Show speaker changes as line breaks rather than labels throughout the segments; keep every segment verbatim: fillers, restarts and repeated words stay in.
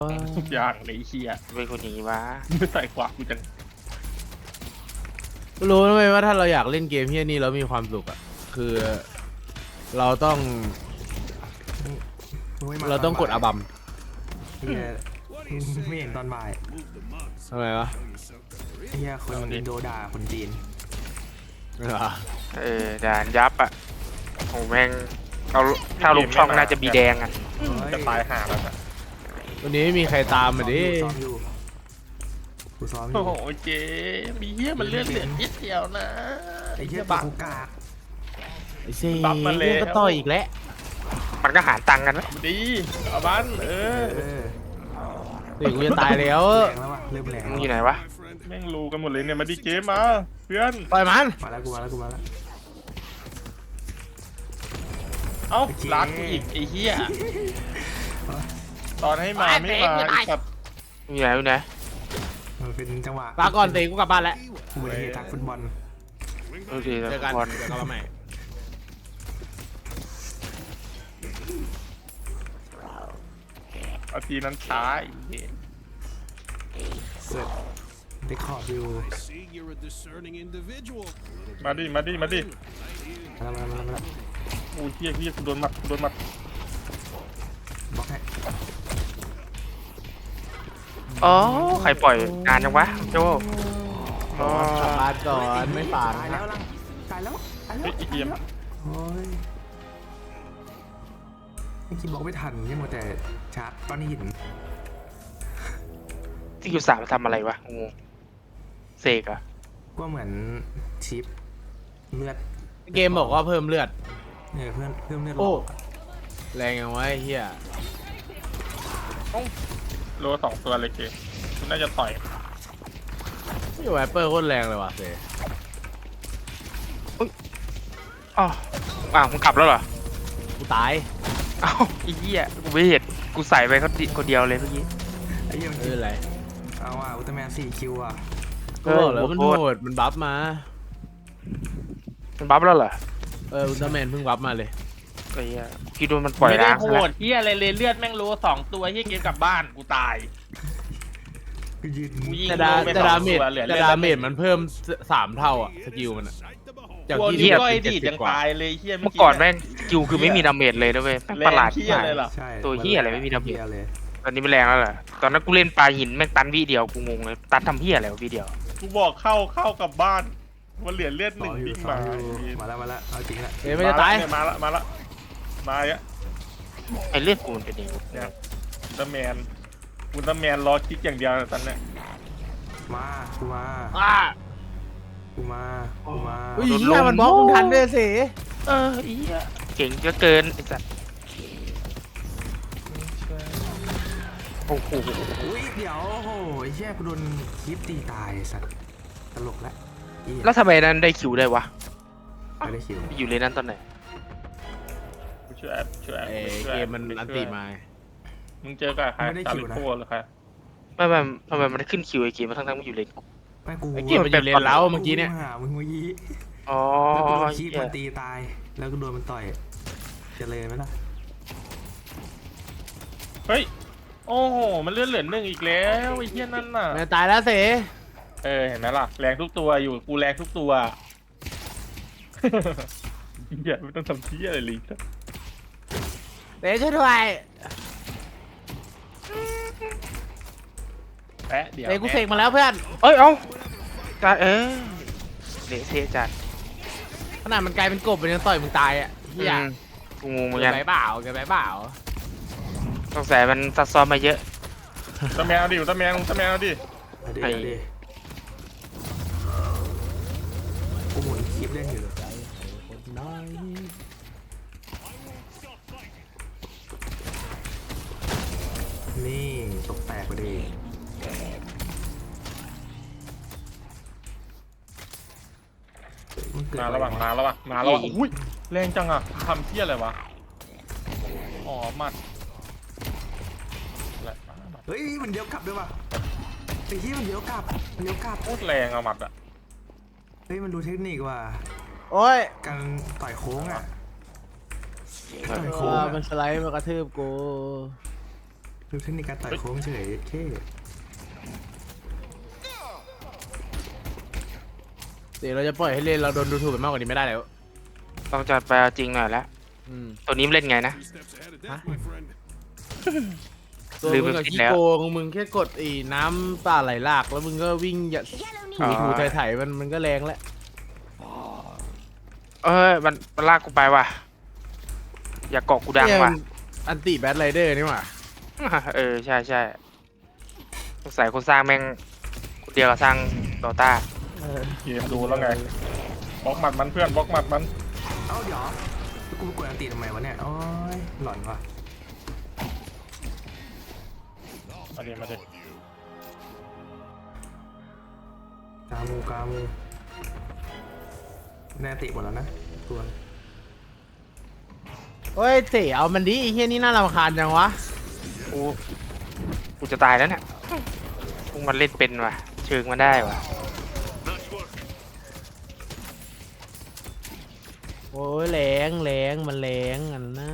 ทุกอย่างเลยเฮีย
เป็นคนอย่างนี้วะ
ไม่ใส่ขวากูจัง
รู้ไหมว่าถ้าเราอยากเล่นเกมเฮียนี่แล้วมีความสุขอ่ะคือเราต้องเราต้องกดอาบัม
เฮียไม่เห็นตอนบ่าย
ทำไมวะ
เฮียคนอินโดด่าคนจีน
เออด่านยับอ่ะโอ้แม่งเอาถ้าลูกช่องน่าจะบีแดงอ่ะ
จะตายห่าแล้วอะ
วันนี้ไม่มีใครตามมาดิ
ซ้อมอยู่กูซ้อมอ
โอ้
ยู่
โหเจ๊มีเฮียมันเลือดเหลือนิดเดียวนะ
ไอ้เฮีย
บัก
กูกาก
ไอ้เซ่
บัฟมาแล้ว
ก็ต่อยอีกแล้ว
มันก็หารตังค์กันนะ
ดีเอาบ้านเอ
เอ
อ
อ
เด็กกูจะตายแล้ว
แรงแล้ววะเริ่มแรง
มึง
แล้ว
อยู่ไหนวะ
แม่งรู้กันหมดเลยเนี่ยมาดีเจมาเพื่อน
ต่อยมัน
มาแล้วกูมาแล้วกูมาแล้ว
เอ้ารักกูอีกไอ้เฮียตอนให้มาไม่มาไอ้สัตว์
มึงอยู่ไหนอยู่ไหน
มันเป็นจังหวะ
ปาก่อนเตะกูกลับบ้านแล้ว
อุบัติเหตุทางฟุตบอล
ดูดิ
เจอกัน
บอล
เดี๋ยวกลับมาใหม่
เอาทีนั้นช้าไอ้เหี้ย
เสร็จได้ขอบอยู่
See, you're a discerning individual.
มาดิมาดิมาดิ
มาแล้วมาแล้วมาแล้ว
โอ้ยเฮียเฮียกูโดนหมัดกูโดนหมัด
บล็อกให้
อ๋อใครปล่อยงานยังวะโจอ๋อก
ลับบ้านก่อนไม่ฝาด
ตายแล้วลังตายแล้วตายแล้
เฮ้
วย
ไอ้เฮีย
โอ้ยไอ้คิดบอกไม่ทันยังมัวแต่ชาร์จก้อนหิน
ที่คิวสามทำอะไรวะงงเสกอะ
ก็เหมือนชิปเลือด
เกมบอกว่าเพิ่มเลือด
เออเพื่อนเพิ่มเลือด
โอ้
หลอก
แรงยังวะไอ้เฮีย
โลสองตัวเลยเกมคุณน่าจะต่อย
ไม่ไหวเปอร์โคตรแรงเลยว่ะเซ่
อ๋ออ้าวมึงกลับแล้วเหรอ
กูตาย
เอ้าไอ้เหี้ยกูไม่เห็นกูใส่ไปคนเดีคนเดียวเลยเมื่อกี้
ไอ้เหี้ยมัน
ไม่เป็นไร
เอาอ่ะอุลตร้าแมนสี่คิวอ่ะ
ก็บอกแล้วมันโหดมันบัฟมา
มันบัฟแล้วเหรอ
เอออุลตร้าแมนเพิ่งบัฟมาเลย
ไอ้เหี้ยกูคิดว่ามันปล่อย
ไม่ได้
ล้าง
โห
ซะแล้ว
ดเฮียอะไรเลยเลือดแม่งโลสองตัวเฮียเกมกลับบ้านกูตาย
กูยืน
กูยิง
แต่ดา
โลไป
แต่
ส
ดา
อง
เมจ
ตัวเหลือ
แต่
เลือด
ดาเมจมันเพิ่มสามเท่าอ่ะสกิลมันอ่ะ จาก
กลัว
ที่
นิ้วก้อย
เจ็
ดี
ด
ด
สิบ
ยัง
กว่า
ตายเลยเฮีย
เมื่อก่อนแม่งคิวคือไม่มีดาเมจเลยนะเว้ยแม่ง
แร
ประ
ง
หลาด
เฮียเลยเหรอ
ใช่
ตัวเหี้ยอะไรไม่มีดาเมจ
เหี้ยเลย
ตอนนี้มันแรงแล้วเหรอตอนนั้นกูเล่นปลาหินแม่งตันวิเดียวกูงงเลยตันทำเหี้ยอะไรวะวิเดียว
กูบอกเข้าเข้ากลับบ้านมันเหลือเลือดห
ต่
นึ่
อง อยู่
วิ่ง
ต่อ
มา
อยู่มาแล้วมาแล้วเอาจริงละ
เอ้ยไม่จะตาย
เนี่ยมาละมาละมาอ่ะ
ไอ้เลือดกูมันเป็นยังไง
เนี่ยอุลตร้าแมนอุลตร้าแมนรอคลิกอย่างเดียวตอนเนี้ย
มากูมา
อ่า
กูมากูมา
อุ้ยเฮียมันบล็อกมึงทันด้วยสิ
เออไอ้เหี้ยเก่งเหลือเกินไอ้สัสโอ้โห
อุ้ยเดี๋ยวโอ้โหไอ้เหี้ยกูโดนคลิปตีตายไอ้สัตว์ตลกแล้วเหี้ย
แล้วทำไมนั้นได้คิวได้วะ
ไม่ได้คิว
อยู่เลยนั้นตอนไหน
กูช่วยแอปช่วยแอป
เอ้ย
ช่วย
เก
แอ
ม
ป
มันอันติมา
มึงเจอกับใครตาลิโก้หรือใคร
ไม่ไม่ทำไมมันขึ้นคิวไอ้เกมมาทั้งทั้งมันอยู่เลนกู
ไม่กู
ไอ้เกมมันอยู่เลนเล้าเมื่อกี้เนี่ย
กูหามึงเมื่อกี้
อ๋อ
แล้วกูโดนคลิป
เหี้ย
มันตีตาย แล้วก็โดนมันต่อยจะเลยไหมล่ะ
เฮ้ยโอ้โหมันเลือดเหลือหนึ่งอีกแล้วไอ้เหี้ยนั่นน่ะ
ไม่ตายแล้วสิ
เออเห็นไหมล่ะแรงทุกตัวอยู่กูแรงทุกตัว อย่าไม่ต้องทำเที่ยอะไรเลย
เตะช่วยด้วย
แปะเดี๋ยว
เตะกูเสกมาแล้วเพื่อน
เอ้ยเอ้าจัดเออเละเทะจัด
ขนาดมันกลายเป็นกบมันยังต่อยมึงตายอ่ะเฮีย
อืมกูงงเหมือน
เกิ
กัน น
ไปเปล่าเกินไปเปล่า
สงสัยมันซับซ้อนมาเยอะ
ตะแมวดิตะแมวตะแมวดิ
เอาดิ
ไอ้
เอาดิกูหมุนคลิปเล่นอยู่นี่ตกแตกไปดินเกิด
มา
อ
แล้ว
ไร
ว่ะมาแล้วว่ะมาแล้วว่ะอุ้ยแรงจังอ่ะทำเที่ยอะไรวะอ๋อหมัดอะไรวะหมัด
เฮ้ยมันเดี๋ยวกลับด้วยว่ะไอ้ที่มันเดี๋ยวกลับมันเดี๋ยวกลับ
โคตรแรงอะหมัดอะ
เฮ้ยมันรู้เทคนิคว่ะ
โอ้ย
การต่อยโค้งอ่ะต่อย
โอ้
โค้ง
มัน
อะ
สไลด์มากระทืบกู
ดูเทคนิคการต่อยโค้งเฉยเท่
เดี๋ยวเราจะปล่อยให้เล่นเราโดนดูถูกไปมากกว่านี้ไม่ได้แล้ว
ต้องจัดไปเอาจริงหน่อยแล้ว
อืม
ตัวนี้มันเล่นไงนะ
Three steps ahead of death, my friend.
ตัว
ลืม
มึง
ไป
กับ
คิด
ขี้
แล้ว
โกงมึงแค่กดไอ้น้ำป่าไหลหลากแล้วมึงก็วิ่งอย่าถูถูไถ่ๆมันมันก็แรงแล้ว
เอ้ยมันมันลากกูไปว่ะอย่าเกาะกูดัง
เนี่ย
ว่ะ
มันอันติแบทไรเดอร์นี่หว่า
เออใช่ใช่สงสัยคนสร้างแม่งคนเดียวกับสร้างดอต้า
เกมดูแล้วไงบล็อกหมัดมันเพื่อนบล็อกหมัดมัน
เอ้าเดี๋ยวกูกดอันตีทำไมวะเนี่ยโอ้ยหลอนว่ะ
มาเดี๋ยวมาเดี๋ยว
กามูกามูแน่ติหมดแล้วนะตัว
เฮ้ยเต๋เอามันดิไอ้เฮียนี่น่ารำคาญจังวะ
กูกูจะตายแล้วเนี่ยพวกมันเล่นเป็นว่ะเชิงมันได้ว่ะ
โอ้ยแรงแรงมันแรงอันน่ะ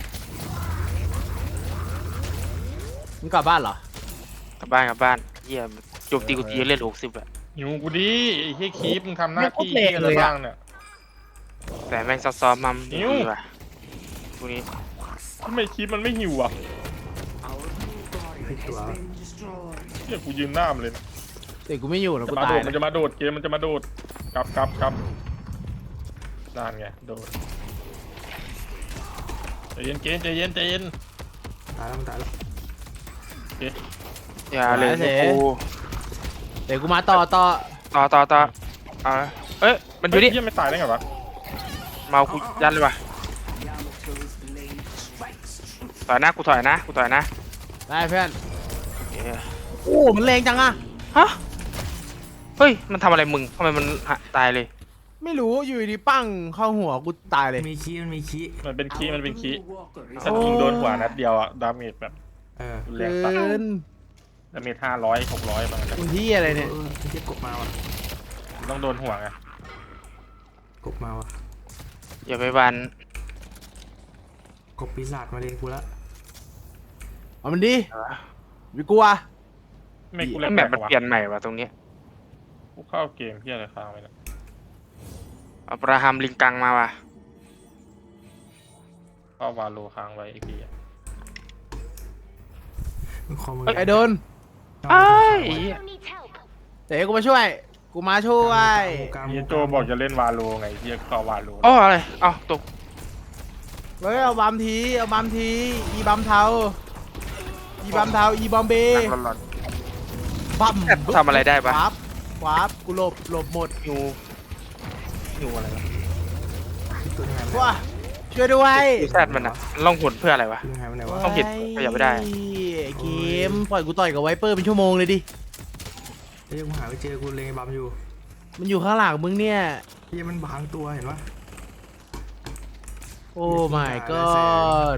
มึงกลับบ้านเหรอ
กลับบ้านกลับบ้านเยี่ยมโจมตีกูทีเล่นหกสิบอะ
หิวกูดิไอ้เฮียคีปมึงทำหน้าที่อะไรบ้างเนี่ย
แต่แม่งซับซ้อมมัน
นิ้ว
ดีว่ะพวกนี้
ทำไมคีปมันไม่หิวอ่ะ
ให้ตัว
เฮียกูยืนหน้ามันเลยนะ
เต๋กูไม่อยู่นะ
จะ
กู
มา
ตา
โด
ย
ดมัน
นะ
จะมาโดดเกมมันจะมาโดดกลับกลับกลับนั่นไงโดดใจเย็นเกมใจเย็นใจเย็น
ตายแล้วมันตายแล้ว
อย่าเลยกู
เต๋กูมาต่อต่อ
ต่อต่อต่อเอาละเอ้ยมันอยู่นี่
เฮียไม่ตายได้ไงวะ
เมากูยันเลยว่ะถอยนะกูถอยนะกูถอยนะ
ได้เพื่อน
เอ้ย
โอ้มันแรงจังอะ
ฮะเฮ้ยมันทำอะไรมึงทำไมมันหะตายเลย
ไม่รู้อยู่ดีๆปั้งเข้าหัวกูตายเลย
มีขี้มันมีขี้
มันเป็นคีมันเป็นคีถ้ายิงโดนหัวนัดเดียวอะดาเมจแบบ
เออ
รุนแรง
เกิ
ตัด
น
ดาเมจห้าร้อยหกร้อยบางที
คุณที่อะไรเนี่ย
เออไอ้เจ็บกบมาว่ะ
ต้องโดนหัวไง
กบมาว่ะ
อย่าไปบัน
กบปีศาจมาเรียนกูละ
เอามันดิวิกลัว
ไม่กู
แล้
เล่
วน แมปมัน
วะ
เปลี่ยนใหม่ว่ะตรงเนี้ย
กูเข้าเกมเฮียอะไรค้างไปเนี่ย
อับราฮัมลิงกังมาว่ะ
เข้าวาโลค้างไว้ไอ้เหี้ย
มึงคอมือ
ไอ้โดน
ไอ้ย
เต๋กูมาช่วย กูมาช่วย
กามู
เฮียโจบอกจะเล่นวาโลไงเฮียเข้าวาโล
อ๋ออะไรเอ้าตก
เฮ้ยเอาบัมทีเอาบัมทีอีบัมเทาอีบัมเทาอีบอมเบ
นั่งหลอน
บัม
ทำอะไรได้ปะ
วาร์ปวาร์ปกูหลบหลบหมด
ๆอยู่อยู่อะไรวะ
ตัวยังไง
ว้าช่วยด้วย
ยูแซดมันอะล่องหนเพื่ออะไรวะ
ตัวยังไงมันไหนวะ
ต้องผิดขยับไม่ได้
ไอ้เกมปล่อยกูต่อยกับไวเปอร์เป็นชั่วโมงเลยดิ
เฮ้ยกูหาไม่เจอกูเลยบัมอยู่
มันอยู่ข้างหลังมึงเนี่ย
เฮ้ยมันบางตัวเห็นปะ
โอ้ my god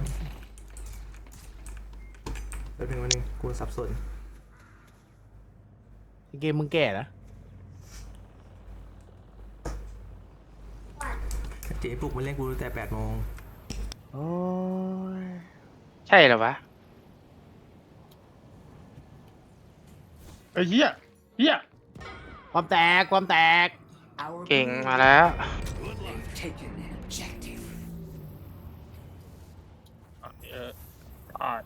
เดี๋ยวหนึ่งวันหนึงกูสับสน
ไอ้เกมมึงแก่นะ
เจ๊ปลุกมาเล่นกูตั้งแต่แปดโมง
โอ้ย
ใช่เหรอวะ
ไอ้เฮียเฮีย
ความแตกความแตก
เก่งมาแล้ว
เอออ่า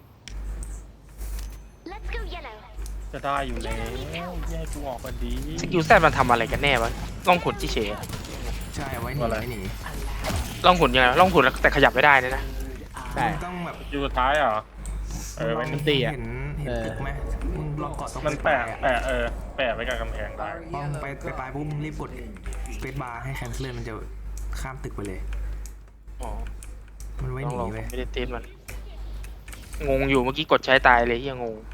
จะได้อยู่แล้วเฮียให้กูออกกันดี
สกิลแซดมันทำอะไรกันแน่วะล่องหนที่เฉยๆอะ
ใช่เอาไว้หนี
อะไร
ไว้หนี
ล่องหนยังไงล่องหนแล้วแต่ขยับไม่ได้เลยนะ
ใช่
มึงต้องแบบ
อยู่สุดท้ายเหรอเออ
มึ
ไว้
ง
นึง
ตีอะ
เห็นเห็น
เออ
ตึกไหมมึงลองเกาะตรง
มัน
ปลา
แปะ
ยๆอะ
แปะเออแปะไว้กับกำแพงได้
พอมึงไปไปปลายปุ๊บมึงรีบกดสเปซบาร์ให้แคนเซิลมันจะข้ามตึกไปเลย
อ๋อ
มันไว้
ล
ห
อง
นี
ลอง
ไป
ไม่ได้เต้นมัน งงอยู่เมื่อกี้กดใช้ตายเลยยังงง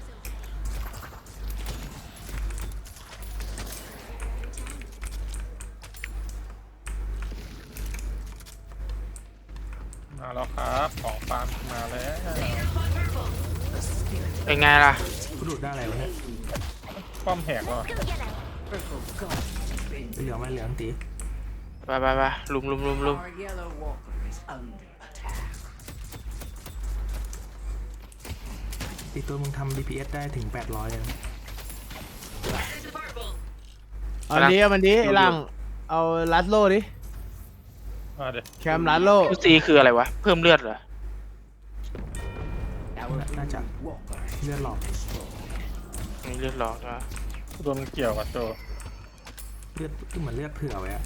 มาแล้วครับของฟาร์มมาแล้ว
เป็นไงล่ะ
กูดูดได้อะไรวะเนี่ย
ป้อมแหกแล้ว
เหลืองไหมเหลืองตี
ไปไปไปลุมลุมลุมลุม
Our yellow walker is under attack.
อีตัวมึงทำ ดี พี เอส ได้ถึงแปดร้อยเลยนะ
เอาดิเอามันดิไอ้หลังเอาลัดโลดิ
มาเดี๋ยว
แคมลัดโล
ยูซีคืออะไรวะ เพิ่มเลือดเหรอ
น่าจะเลือดหลอก
มีเลือดหลอกนะ
โดนเกี่ยวกับโจ
เลือดเหมือนเลือดเผื่อไว้อะ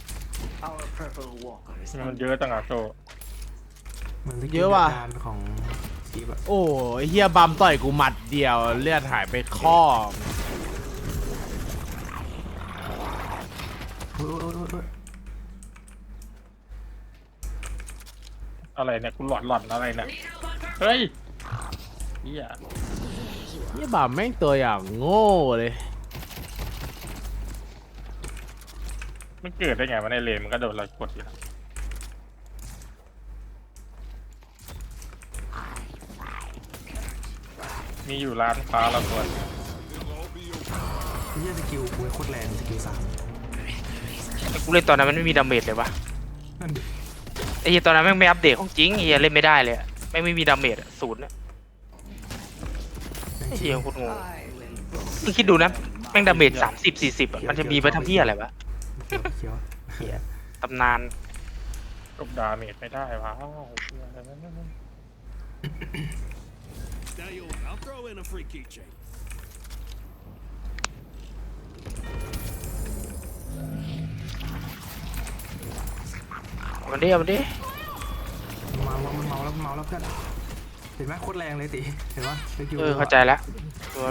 มันเยอะจังอะโจ
เหมือนสกิล
เยอะว่ะ
การของคีบอะ
โอ้ยเฮียบัมต่อยกูหมัดเดียวเลือดหายไปข้อ
โอ้ยโอ้ยโอ้ยโอ้ย
อะไรเนี่ยกูหลอนหลอนอะไรเนี่ยเฮ้ยเฮีย
เฮียบัมแม่งตัวอย่างโง่เลย
มันเกิดได้ไงวะในเลนมันก็โดนเรากดอยู่แล้วมีอยู่ร้านค้าเราตัว
ไอ้เหี้ยสกิลกูโคตรแรงสกิลสาม
แต่กูเล่นตอนนั้นมันไม่มีดาเมจเลยวะ
นั่นดิ
ไอ้เหี้ยตอนนั้นแม่งไม่อัปเดตของจริงไอ้เหี้ยเล่นไม่ได้เลยอะแม่งไม่มีดาเมจอะศูนย์อะ
แม่ง
ไอ้
ชิ
เหี้ย
ง
โคตรงงมึงคิดดูนะแม่งดาเมจสามสิบสี่สิบอะมันจะมีไปทำเหี้ยอะไรวะ
เขียวเขียว
เหี้ยตำนาน
กบดาเมจไม่ได้วะเหี้ยอะไรนั่นนั่น
Dale, I'll throw in a free keychain.
เอามันดิเอามันดิ
เมาแล้วมันเมาแล้วมันเมาแล้วเพื่อนเห็นไหมโคตรแรงเลยติเห็นปะสกิล
เออเข้าใจแล้วตัว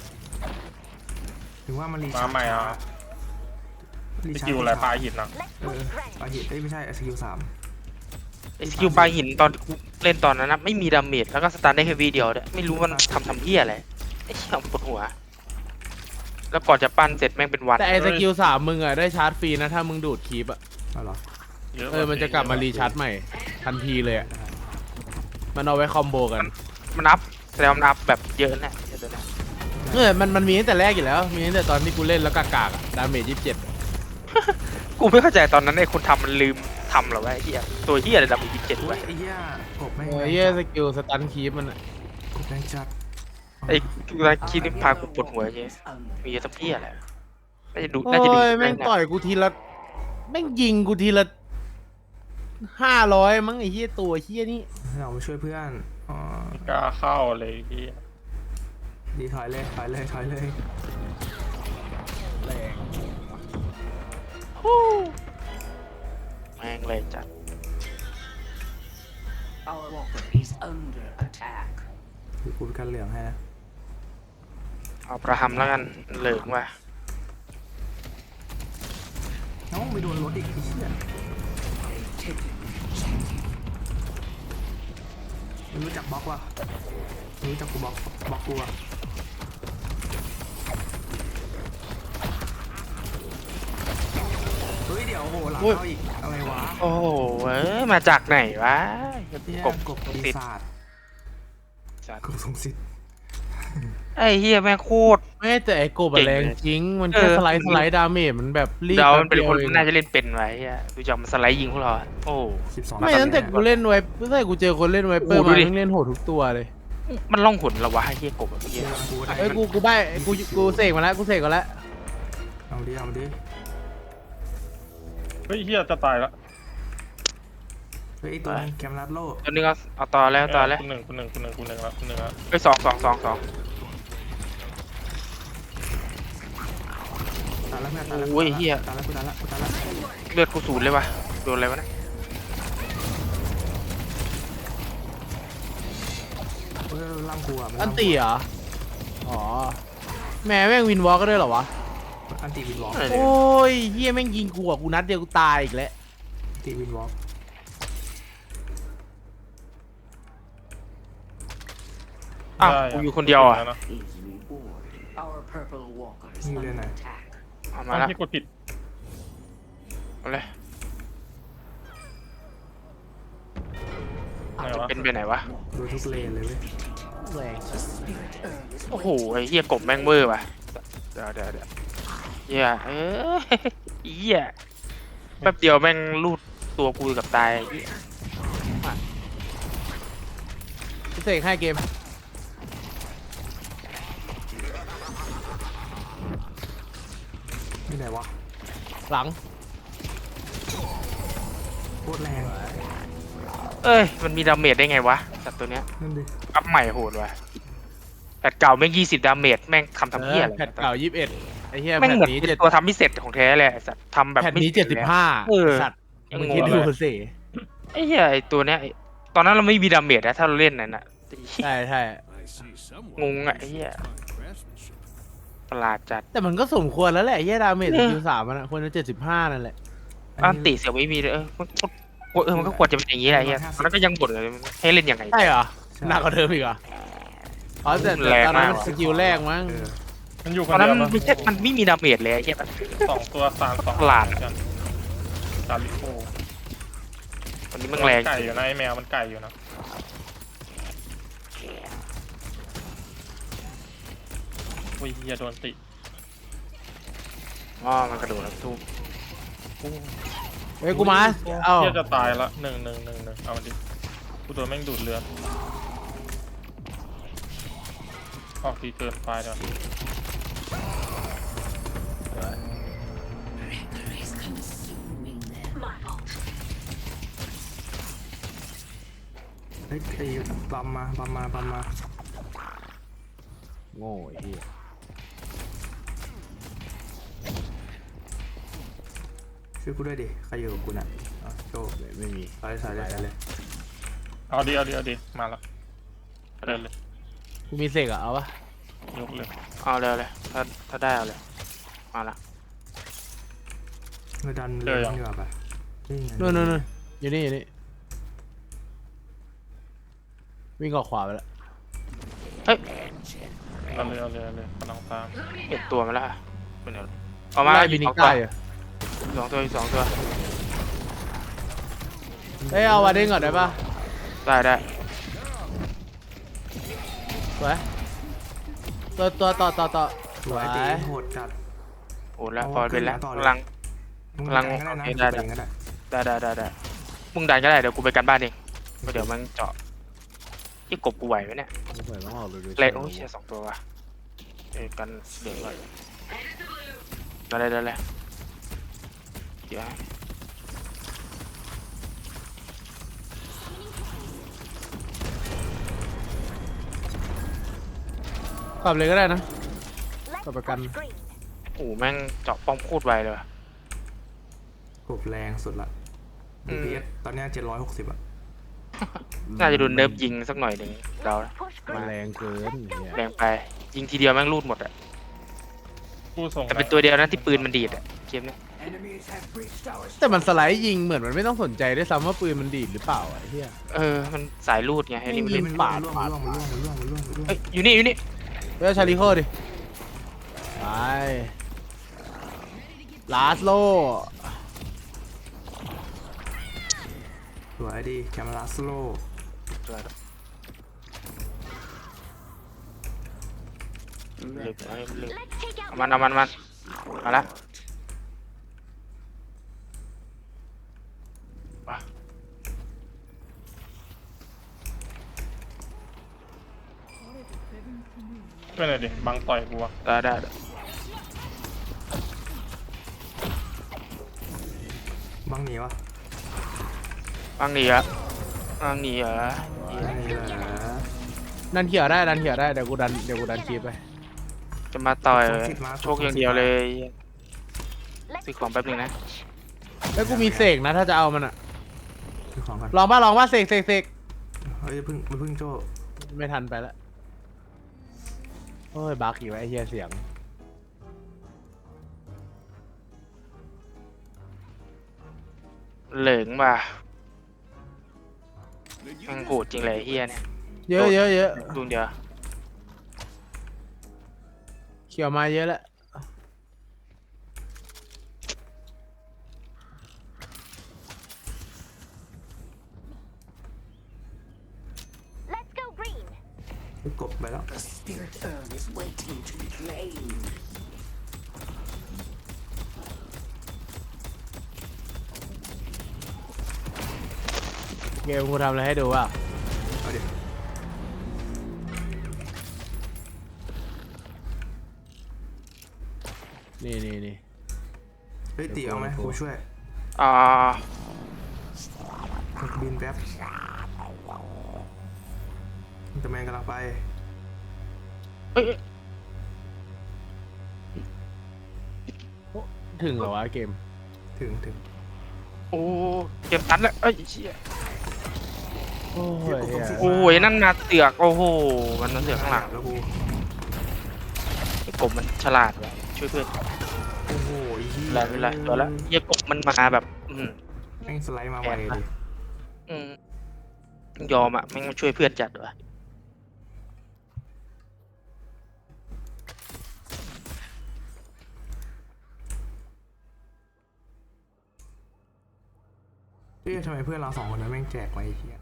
ถึงว่ามันรี
มาใหม่อ่ะ
รี
ส
ชา
กิลอะไรปลาหินอ่ะ
เออปลาหินเอ้ยไม่ใช่สกิลสาม
ไอ้สกิลปลาหินตอนกูเล่นตอนนั้นนะไม่มีดาเมจแล้วก็สตาร์ทได้แค่วีเดียวด้วยไม่รู้มันทำทำเหี้ยอะไรไอ้เหี้ยปวดหัว แล้วก่อนจะปั้นเสร็จแม่งเป็นวัน
แต่ไอ้สกิลสามมึงอะได้ชาร์จฟรีนะถ้ามึงดูดคีบอะ
เอาเหรอ
เยอะ
เออมันจะกลับมารีชาร์จใหม่ทันทีเลยอะมันเอาไว้คอมโบกัน
มันอัพแสดงว่ามันอัพแบบเยอะนะเดี๋ยวนะ
เออมันมันมีตั้งแต่แรกอยู่แล้วมีตั้งแต่ตอนที่กูเล่นแล้วกากๆอะดาเมจยี่สิบเจ็ด
กูไม่เข้าใจตอนนั้นไอ้คนทำมันลืมทำเหรอวะไอ้เหี้ยตัวเหี้ยอะไรดำอีกยี่สิบเจ็ด
โอ้
วะ
ยไอ้เหี้ยกบแม่ง
เออ
แรง
เฮีย
จัด
สกิลสตันคีบมันอะ
กบแรงจัด
ไอ้กูได้คิดนี่พากูปวดหัวเงี้ยมีสักเหี้ยอะไรน่าจะดู
โอ้
น่าจะดี
ยแม่งต่อยกูทีละแม่งยิงกูทีละห้าร้อยมั้งไอ้เฮียตัวเฮียนี่
เรามาช่วยเพื่อนอ๋อก
ล้าเข้าเลยเฮีย
ดีถอยเลยถอยเลยถอยเลย
แรง
แม่งเลยจัด
Our walker is under attack.
คือกูเป็นกันเหลืองให้นะ
เอาประหำแล้วกันเหลิงว่ะ
น้องไปโดนรถอีกไอ้เหี้ยไม่รู้จักบล็อกว่ะไม่รู้จักกูบล็อกบล็อกกูอ่ะเฮ้ยเดี๋ยวโอ้โหหลังเข้าอีกอะไรวะ
โอ้โหเอ้ยมาจากไหนวะ
เนี่ย
กบ
กบปี
ติด
ศาจ
สัตว์
กบทรงสิทธิ์
ไอ้เหี้ยแม่งโคตร
ไม่แต่ไอ้โกบอะแรงจริงมันแค่
เออ
สไลด์สไลด์ดาเมจมันแบบรีบ
เดา
แป๊
มัน
บ
เป็น
ดียว
คน
อง
น่าจะเล่นเป็นไว้เหี้ยดูจากมันสไลด์ยิงพวกเราอะโอ้
สิบสอง
ไม่ตั้งแต่กูเล่นไว้ตั้งแต่กูเจอคนเล่นไวเปอร์
โอ้โหดู
มา
ดิ
แม่งเล่นโหดทุกตัวเลย
มันล่องหนเหรอวะไอ้เหี้ยกบอะเหี้ย
กูได้
ไอ้ยกูกูใบไอ้กูกูเสกมาแล้วกูเสกมาแล้ว
เอาดิเอาดิ
เฮ้ยเฮียจะตายละ
เฮ้ยไอ้ตัวนั้นแคมรัดโล
ตัวนี้ก็เอาต่อแล้วต่อแล้ว
คุณหนึ่งคุณหนึ่งคุณหนึ่งคุณหนึ่งแล้วคุณหนึ่งแล้ว
ไปสองสองสองสอง
ตายแล้วเพื่อนตายแล้ว
โอ้ยเหี้ย
ตายแล้วกูตายแล้วกูตายแล้ว
เลือดกูศูนย์เลยวะโดนอะไรวะเนะ
เออล่างกูอ่ะมั
อัน
ล่างกู
ตีเหรออ๋อแม่แม่งวินวอล์กก็ได้เหรอวะ
อันตีวินวอล์ก
อะไร
โอ
เนี่ย้
ยเฮียแม่งยิงกูอะกูนัดเดียวกูตายอีกแล้ว
อันตีวินวอล์ก
อ้าวกูอยู่คนเดียวอ่ะ
นะ
Is reward. Our purple walkers
You
under
didn't.
attack.
เอามาแล้ว
ที่กดผิด
เอาเลย
ไหนวะ
เป็นไปไหนวะ
โดนทุกเลนเลยเว้ย
แรง
The spirit urge
โอ้โหไอ้เหี้ยกบแม่งเวอร์ว่ะเดี๋ยวเดี๋ยวเดี๋ยวเหี้ยเออเหี้ยแป๊บเดียวแม่งลูดตัวกูกับตายไอ้เหี้ย
กูเสกให้เกม
ที่ไหนวะ
หลัง
โคตรแรง
เอ้ยมันมีดาเมจได้ไงวะสัตว์ตัวเนี้ย
นั่นดิ
อัพใหม่โหดว่ะแพทเก่าแม่งยี่สิบดาเมจแม่งทำทำเหี้ยอะไร
แพทเก่ายี่สิบเอ็ดไอ้เหี้ย
แม่ง
แพท
เหมือน
นี้
เป็น
เจ็ด
ตัวทำไม่เสร็จของแท้เลยไอ้สัตว์ทำแบบ
แพท
ไม่
นี้
สร็
เจ็
จ
ดสิบ
ลย
ห้า
เออ
สัตว์
ยัง
มึง
ง
คิด
ง
ดู
เลย
สิ
ไอ้เหี้ยไอ้ตัวเนี้ยไอ้ตอนนั้นเราไม่มีดาเมจนะถ้าเราเล่นนั่นน่ะ
ใช่ใช่
I see someone
Ngung
who
ngại
has
vậy.
fine craftsmanship.
ประหลาดจัด
แต่มันก็สมควรแล้วแหละไอ้เหี้ยดาเมจ
เออ
คิวสามมันอะควรจะเจ็ดสิบห้านั่นแหละ
อันติเสียไม่มีเลยเออมันก็เออมันก็ควรจะเป็นอย่างนี้แหละไอ้เหี้ยตอนนั้นก็ยังบ่นเลยให้เล่นยังไง
ใช่เหรอหนักกว่าเดิมอีกเหรออ๋อแต่แต่
แรง
ตอนนั้น
มาก
มันสกิลแรกมั้ง
เออ
มันอยู่ค
ตอน น
เดี
นั้
ย
น
วปะ
ไม่ใช่มันไม่มีดาเมจเลยไอ้เหี้ย
สองตัวสามสอง
ประหลาด
กันซาลิโอ
วันนี้มันแรง
ไก่อยู่นะไอแมวมันไก่อยู่นะอุ้ยเฮียโดนติ
อ๋อมันกระโดดแล้วทุบ
เฮ้ยกูมาเอ้า
เฮียจะตายละหนึ่งหนึ่งหนึ่งหนึ่งเอาดิกูโดนแม่งดูดเลือดออกทีเกินไปเดี๋ยว
is consuming them. My fault.
เฮ้ยไอ้บัมมาบัมมาบัมมา
โง่ไอ้เหี้ย
ช่วยกูด้วยดิใครอยู่กับกูน่ะเอาโชว์
ไม่มี
ใส่ใส่เลยใส่เลย
เอาดิเอาดิเอาดิมาละเดินเลย
กูมีเสกอะเอาปะ
ยกเลย
เอาเลยเอาเลยถ้าถ้าได้เอาเลยมาละ
เมื่อดันเลยดีกว่าปะนี่ไง
นู่นนู่นนู่นอยู่นี่อยู่นี่วิ่งออกขวาไปแล้ว
เฮ้ย
เอาเลยเอาเลยเอาเลยกำลังตาม
เห็นตัวมันแล้วอะเป็นไงเอามา
ไล่
อี
บิ
ก
นิ
สองตั
ก้าว อยู่
สองตัวอีกสองตัว
เฮ้ยเอาวาเด้งก่อนได้ปะ
ได้ได้
สวยตัวตัวต่อต่อต่อ
สวยตีโหดจัด
โอ้แล้ว
เอา
พอเป็นแล้ว
ขึ้นมาต่อเลย
กำลัง
มึง
กำลัง
ดันก็ได้นะ
โอเคได้ได้
มึงก็ได้
ได้ได้ได้ได้มึงดันก็ได้เดี๋ยวกูไปกันบ้านเองเดี๋ยวมันเจาะยี่กบกูไหวไหมเนี่ย
เหมือนต้องออกเลย
เละโอ้ยเชียสองตัวว่ะเอ้ยกันเดี๋ยวก่อนได้เลยได้เลยเดี๋ยว
กลับเลยก็ได้นะกลับประกัน
โอ้โหแม่งเจาะป้อมโคตรไวเลยว่ะ
กบแรงสุดละ
อืม
ดี พี เอส ตอนเนี้เจ็ดร้อยหกสิบอ่ะ
น่าจะโดนเนิร์ฟยิงสักหน่อยหนึ่งเรานะ
มันแรงเกินเนี่ย
แรงไปยิงทีเดียวแม่งรูดหมดอะ
ผู้ส่ง
แต่เป็นตัวเดียวนะที่ปืนมันดีดอะเกมเนี้ย
Enemies have breached our
แต่มันสไลด์ยิงเหมือนมันไม่ต้องสนใจด้วยซ้ำว่าปืนมันดีดหรือเปล่าอะไอ้เหี้ย
เออมันสายรูดไงไอ้นี่มัน
ยิ
เล่น
ง ปาด
ร่วงมันร่วงมันร่วงมันร่วงมันร่วงมันร่วง
เฮ้ยอยู่นี่อยู่นี่
เฮ้ยชาลิโคดิไปลาสโล
สวยดีแคมราสโล
เหลือไว้เหลือเอามันเอามันเอามันมาละมา
ช่วยหน่อยดิบังต่อยกูอะ
ได้ได้ได้
บังหนีวะ
บางหนีอะบางหนีเหรอ
บังหนีเหรอ
ดันเขียวได้ดันเขียวได้เดี๋ยวกูดันเดี๋ยวกูดันคีบไป
จะมาต่อยโชคอย่างเดียวเลยซื้อของแป๊บนึงนะ
แล้วกูมีเสกนะถ้าจะเอามันอะ
คือของกัน
ลองป่ะลองป่ะเสกเสกเสก
เฮ้ยอย่าเพิ่งอย่าเพิ่งโจ้
ไม่ทันไปแล้วโอ้ยบักอีกแล้วไอ้เหี้ยเสียง
เหลิงว่ะ
Then you
แมัน
just
โหดจริงเลยไอ้เฮียเนี่ย
เยอะเยอะเยอะ
ดูเดียว
เขียวมาเยอะแล้ว
ไปกบไปแล้ว
The spirit urn is waiting to be claimed.
เกมกูทำอะไรให้ดูว่ะ
เอาดิ
นี่นี่นี่
ฮ้ยตีเอาไหมกูช่วย
อ่า
บินแป๊บแต่แมนกำลังไป
เอ้ย
ถึงเหรอวะเกม
ถึงถึง
โอ้เกมตันแล้วเอ้ยเชี่ย
โอ้ยเหี้ย
โอ้ยนั่นมาเสือกโอ้โหมันมาเสือกข้างหลัง
แล้วกู
ไอ้กบมันฉลาดว่ะช่วยเพื่อน
โอ้โหไอ้เหี้ย
เวลาเวลาตัวละเหี้ยกบมันมาแบบอืม
แม่งสไลด์มาไวดิ
อืมยอมอ่ะแม่งมาช่วยเพื่อนจัดว่ะ
เอ๊ะทำไมเพื่อนเราสองคนนั้นแม่งแจกไว้ไอ้เหี้ย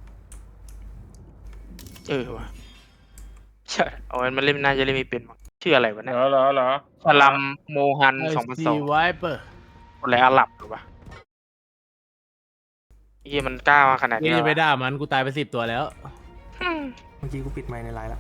เออว่ะใช่เอามันเล่นน่าจะเล่นไม่เป็นมั้งชื่ออะไรวะ
เหร
เนี่ย
อเหรอเหรอ
สลัมโมฮัน
ไอ
สองพัน
ซี
สอง
ไวเปอร์
คนไรอาหรับหรือวะเฮียมันกล้ามาขนาด
นี่
นี้
จะไป
วะ
ด่ามันกูตายไปสิบตัวแล้ว
อืม
เมื่อกี้กูปิดไมค์ในไลน์แล้ว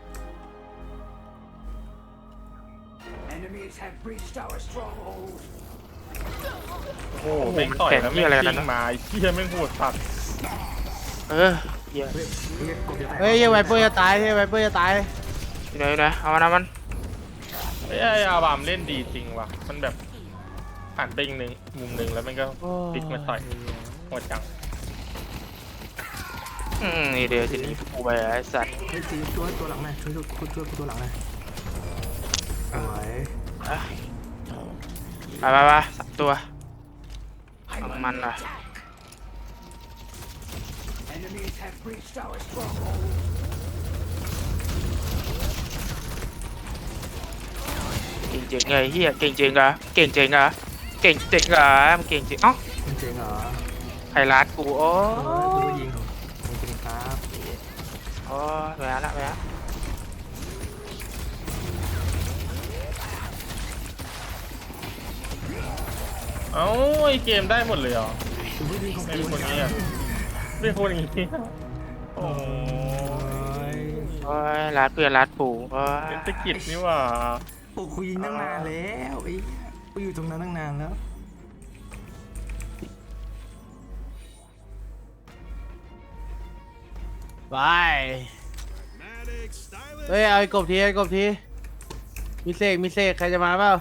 Enemies have breached our stronghold.
โอ้โหแม่งต่อยแล้วแม่งกิ้งมาไอ้เหี้ยแม่งโหดสัตว์
เออเฮีย
เฮ้ยเฮ้ยกดจะแตก
เฮ้ยไวเปอร์จะตายเฮ้ยไวเปอร์จะตาย
อยู่ไหนอยู่ไหนเอามันเอามัน
ไอ้ไอ้อาบามเล่นดีจริงว่ะมันแบบหันไปอีกหนึ่งมุมหนึ่งแล้วมันก็พลิกมาต่อยโหดจัง
อืมนี่เดี๋ยวทีนี้กูไปไอ้สัตว์
เฮ้ยตีตัวตัวหลังหน่อยช่วยช่วยช่วยช่วยตัวหลังหน่อยสวย
อ่ะไปไปไปสามตัว
I'm
Ang
under
man ah.
attack. Enemies have breached our stronghold.
เก่งจริงไงเฮียเก่งจริงเหรอเก่งจริงเหรอเก่งจริงเหรอมันเก่งจริงเอ้า
มันเจ๋งเหรอ
ใครรัดกูโอ้
เออกูก็ยิงมันเป็นครับ
โอ้แหวนละแหวน
เอ้าไอ้เกมได้หมดเลยเหรอ
กูไม่ยิงของ
ไม่
กู
มีคนนี้อ่ะไม่มีคนอย่างนี้โอ้
โอ้ย
โอ้ยรัดเพื่อนรัดปู่โอ้ย
เศรษฐกิจนี่หว่า
โอ้กูยิงตั้งนานแล้วไอ้เหี้ยกูอยู่ตรงนั้นตั้งนานแล้ว
ไป
Medic, stylish.
เฮ้ยเอาไอ้กบทีไอ้กบทีมีเสกมีเสกใครจะมาเปล่า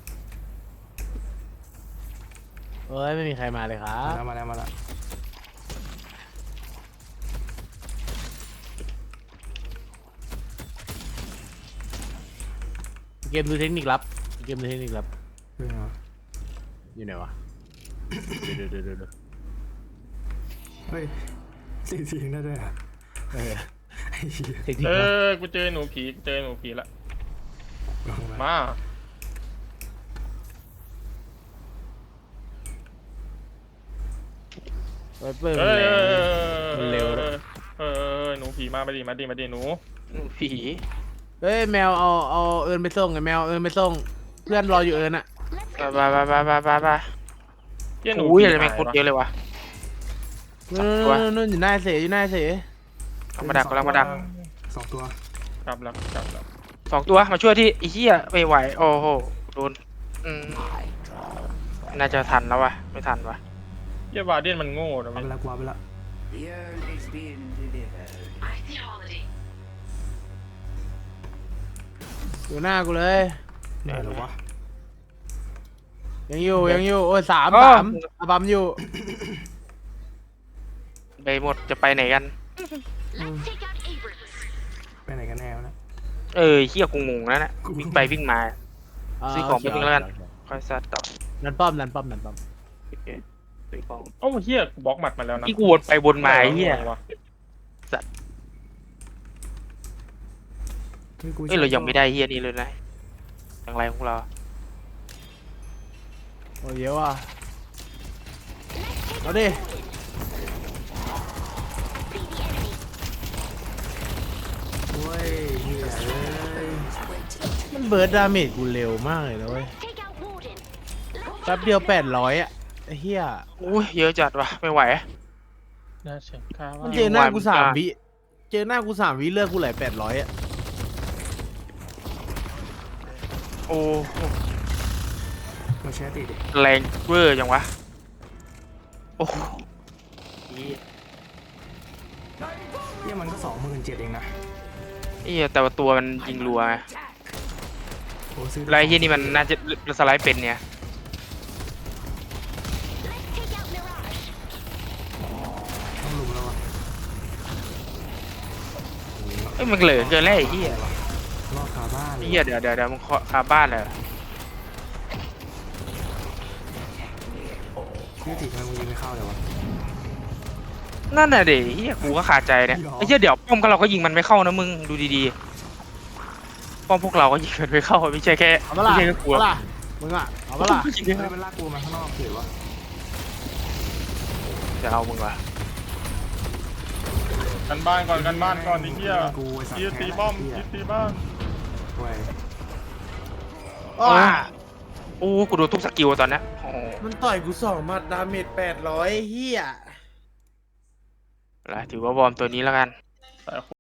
เฮ้ยไม่มีใครมาเลยครั
มา
บ
แล้วมาแล้วมาแล้ว
เกมดูเทคนิคลับเกมดูเทคนิคลับ
เรื่องเหรอ
อยู่ไหนวะเดี๋ยวเดี๋ยวเดี๋ยวเดี๋ยว
เฮ้ยสี่ทีงได้ด้วยเหรอ
เออ
ไอ้เหี้ย
เทคนิค
เอ
ลับ
อกูเจอหนูผีเจอหนูผีละ
ลองมา
มา
ไวเปอร์
เอ
มัน
อ
แรงมันเร็วด้วย
เออหนูผีมามาดิมาดิมาดิหนู
ผี
เฮ้ยแมวเอาเอาเอิญไปส่งไงแมวเอิญไปส่งเพื่อนรออยู่เอิญอะ
ไปไปไปไปไปไปไป
เหี้ยหนู
โอ้ย
ผี
อะไรแม่ง
หาย
คนเยอะเลยวะ
นู่
ตัว
นนู่นอยู่หน้าเสยอยู่หน้าเสย
เอามาดักกำลังมาดัก
สองตัว
กลับแล้วกลับแล้ว
สองตัวมาช่วยที่ไอ้เหี้ยไม่ไหวโอ้โหโดนอืมน่าจะทันแล้ววะไม่ทันวะ
เหี้ยบาเดียนมันโง่นะ
เอา
เว้ย
ไปละกวาดไปละ
The urn is being delivered. I see holiday.
อยู่หน้ากูเลย
ไหนเหรอวะ
ยังอยู่ยังอยู่โอ้ยสาม
อ้อ
สามอาบัมอยู่
ไปหมดจะไปไหนกัน
ไปไหนกันแน่วะนะ
เออเหี้ยกูงงแล้วนะวิ่งไปวิ่งมา ซื้อของไปทิ้งแล้วกัน ค่อยซัดต่อ
นันป้อมนันป้อมนันป้อม
โอเคซื้อของ
โอ้เหี้ยกูบล็อกหมัดมาแล้วนะ
ที่กูวนไปวนมาไอ้เหี้ย
วะ
ฮ้กู
เอ้ยเรายังไม่ได้เหี้ยนี่เลยนะอย่างไรของเรา
โอ้ยเยอะว่ะเอาดิ
โอ้ยเหี้ยเอ้ย
มันเบิร์ดดาเมจกูเร็วมากเลยนะเว้ยแป๊บเดียวแปดร้อยอะไอ้เหี้ย
อุ้ยเยอะจัดว่ะไม่ไหว
น่าเชื่อข้าว
มันเจอหน้ากูสาม
วัน
วิเจอหน้ากูสามวิเลือกกูไหลแปดร้อยอะ
โอ้
มันมาแชร์ติดิ
แรงเวอร์จังวะโอ้โหเหี้ย
เฮียมันก็สองหมื่นเจ็ดเองนะ
เหี้ยแต่ว่าตัวมันยิงรัวไง
โอ้ซื้อ
แล้วไอ้เหี้ยนี่มันน่าจะสไลด์เป็นเนี่ย
ต้องลุมแล้ววะ
เอ้ยมันเหลือเกินแล้วไอ้เหี้ย
รอดคาบ้านเลย
เหี้ยเดี๋ยวเดี๋ยวเดี๋ยวมึงเคาะคาบ้านเลย
ชื่อติทำไมมึงยิงไม่เข้าเลยวะ
นั่นน่ะเดี๋ยวเหี้ยกูก็ขาดใจเนี่ยไอ้เหี้ยเดี๋ยวป้อมก็เราก็ยิงมันไม่เข้านะมึงดูดีๆป้อมพวกเราก็ยิงมันไม่เข้าไม่ใช่แค่
เอาปะ
ไม่
ล่ะ
ใช่แค่กู
เอาปะล่ะมึงอ่ะเอาปะล่ะ
ยิงไม่
เฮ้
เข้าย
มันลากกูมาข้างนอกเฉยวะ
จะเอามึงวะ
กันบ้านก่อนกันบ้านก่อนไอ้เหี้ย
กูไอ้สัตว์
เหี้ย
แพ้
ตีป้อม
เหี้ย
เหี้ยตีบ้าน
เว้ย
อ้า
โอ้กูโดนทุกสกิลตอนเนี้ยโอ้
มันต่อยกูสองหมัดดาเมจแปดร้อยเฮีย
แล้วถือว่าวอร์มตัวนี้แล้วกัน